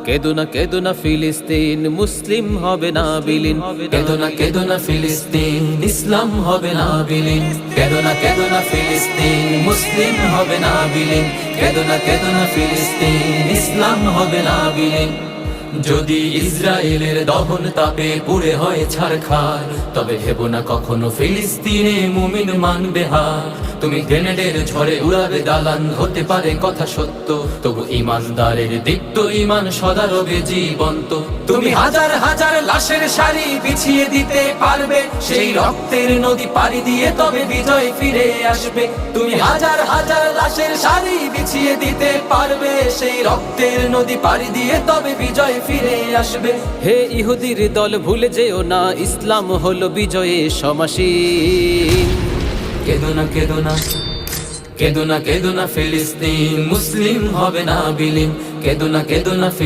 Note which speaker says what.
Speaker 1: কেদো না ফিলিস্তিন, মুসলিম হবে না বিলীন।
Speaker 2: কেদো না ফিলিস্তিন, ইসলাম হবে না বিলীন। কেদো না ফিলিস্তিন, মুসলিম হবে না বিলীন। কেদো না ফিলিস্তিন, ইসলাম হবে না বিলীন। যদি ইসরায়েলের দহন তাপে পুড়ে হয় ছারখার, তবে ভেবো না কখনো ফিলিস্তিনে মুমিন মানবে হার। তুমি গ্রেনেডের ঝড়ে উড়াবে দালান, হতে পারে কথা সত্য, তবু ইমানদারের দীপ্ত ইমান সদা রবে জীবন্ত। তুমি হাজার হাজার লাশের সারি বিছিয়ে দিতে পারবে, সেই রক্তের নদী পাড়ি দিয়ে তবে বিজয় ফিরে আসবে। তুমি হাজার হাজার লাশের সারি বিছিয়ে দিতে পারবে, সেই রক্তের নদী পাড়ি দিয়ে তবে বিজয় ফিরে আসবে।
Speaker 1: হে ইহুদির দল ভুলে যেও না, ইসলাম হলো বিজয়ে সমাসীন।
Speaker 2: কেদো না ফিলিস্তিন, মুসলিম হবে না বিলীন। কেদো না